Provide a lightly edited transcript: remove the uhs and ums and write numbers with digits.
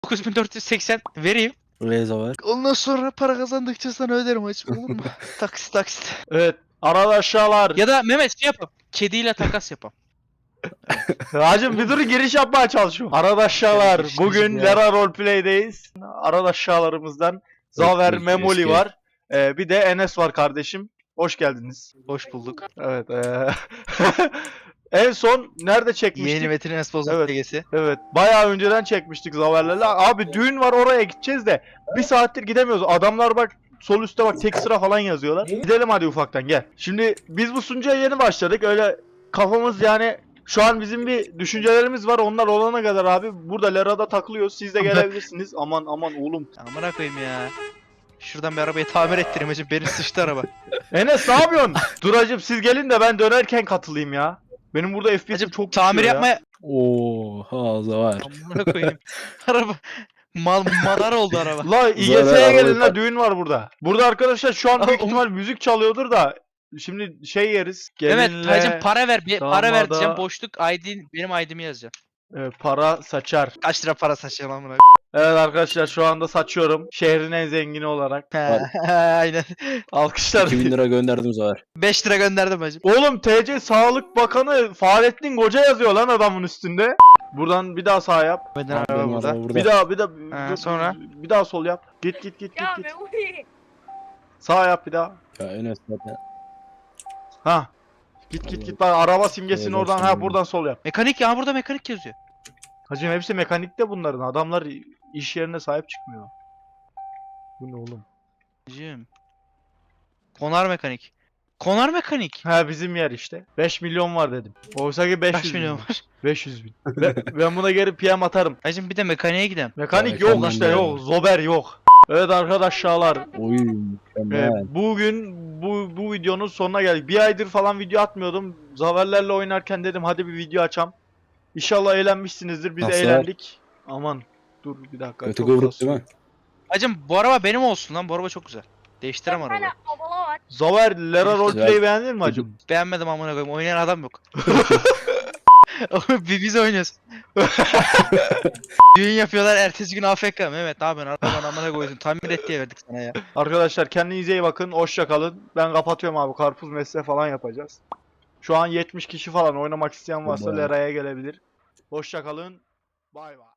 9480 vereyim. Reza var. Ondan sonra para kazandıkça sana öderim hacım, olur mu? Taksit taksit. Evet. Arkadaşlar. Ya da Mehmet şey yapalım. Kediyle takas yapalım. Hacım bir durun, giriş yapmaya çalışıyorum. Arkadaşlar Giriş bugün ya. Lera Roleplay'deyiz. Arkadaşlarımızdan Zaver, Evet, Memoli keşke. var. Bir de Enes var kardeşim. Hoş geldiniz. Hoş bulduk. Evet. En son nerede çekmiştik? Yeni Metin Enes Bozok Evet. LG'si. Evet. Bayağı önceden çekmiştik Zaver'lerle. Abi düğün var, oraya gideceğiz de bir saattir gidemiyoruz. Adamlar bak sol üstte bak tek sıra falan yazıyorlar. Gidelim hadi ufaktan, gel. Şimdi biz bu sunucuya yeni başladık. Öyle kafamız yani şu an bizim bir düşüncelerimiz var. Onlar olana kadar abi burada Lera'da takılıyoruz. Siz de gelebilirsiniz. Aman aman oğlum. Amına koyayım ya. Şuradan bir arabayı tamir ettireyim hacım. Benim sıçtı araba. Enes ne yapıyorsun? Dur hacım siz gelin de ben dönerken katılayım ya. Benim burada FPS'im Hacım çok tamir düşüyor ya. yapmaya... Oha Zavar. Amına koyayım. Araba... Madar oldu araba. La Zarar İGS'ye arabayı gelin la, tak. düğün var burada. Burada arkadaşlar şu an büyük Oğlum. ihtimal müzik çalıyordur da şimdi şey yeriz. Evet Gelinle hacım para ver. Para ver damada- diyeceğim. Boşluk benim ID'mi yazacağım. para saçar. Kaç lira para saçacağım amına Evet arkadaşlar şu anda saçıyorum. Şehrin en zengini olarak. koyayım. Aynen. Alkışlar. 2000 lira gönderdim Zavar. 5 lira gönderdim hacım. Oğlum TC Sağlık Bakanı Fahrettin Koca yazıyor lan adamın üstünde. Buradan bir daha sağ yap. Benim Benim araba burada. araba burada. Bir daha Ha, sonra? bir daha sol yap. Git. Ya Memoli. Sağ yap bir daha. Ya Enes zaten. Ha. Git bak araba simgesini Evet, oradan, tamam. buradan sol yap. Mekanik ya, burada mekanik yazıyor. Hacım hepsi mekanikte bunların. Adamlar iş yerine sahip çıkmıyor. Bu ne oğlum? Hacım. Konar mekanik. Konar mekanik. Ha bizim yer işte. 5 milyon var dedim. Oysa ki 500 Kaç bin. milyon var? 500 bin. Ben buna geri PM atarım. Hacım bir de mekaniğe gidelim. Mekanik Ya, yok mekanik işte, de yok. yok. Zober yok. Evet arkadaşlar. Oy mükemmel. Bugün bu videonun sonuna geldik. Bir aydır falan video atmıyordum. Zaverlerle oynarken dedim hadi bir video açam. İnşallah eğlenmişsinizdir. Biz Nasıl? eğlendik. Aman dur bir dakika. Kötü çok kıvrık kasıyor. değil mi? Hacım bu araba benim olsun lan. Bu araba çok güzel. Değiştirem Bir tane arabayı. abala var. Zaver Lera Roleplay'i Güzel. beğendin mi hacım? Beğenmedim amına koyayım. Oynayan adam yok. Biz oynuyoruz. Düğün yapıyorlar, ertesi gün AFK. Mehmet ne yapıyorsun? Arabanı amına koyuyorsun. Tamir et diye verdik sana ya. Arkadaşlar kendinize iyi bakın. Hoşça kalın. Ben kapatıyorum abi. Karpuz mesle falan yapacağız. Şu an 70 kişi falan oynamak isteyen varsa Tamam. Lera'ya gelebilir. Hoşça kalın. Bay bay.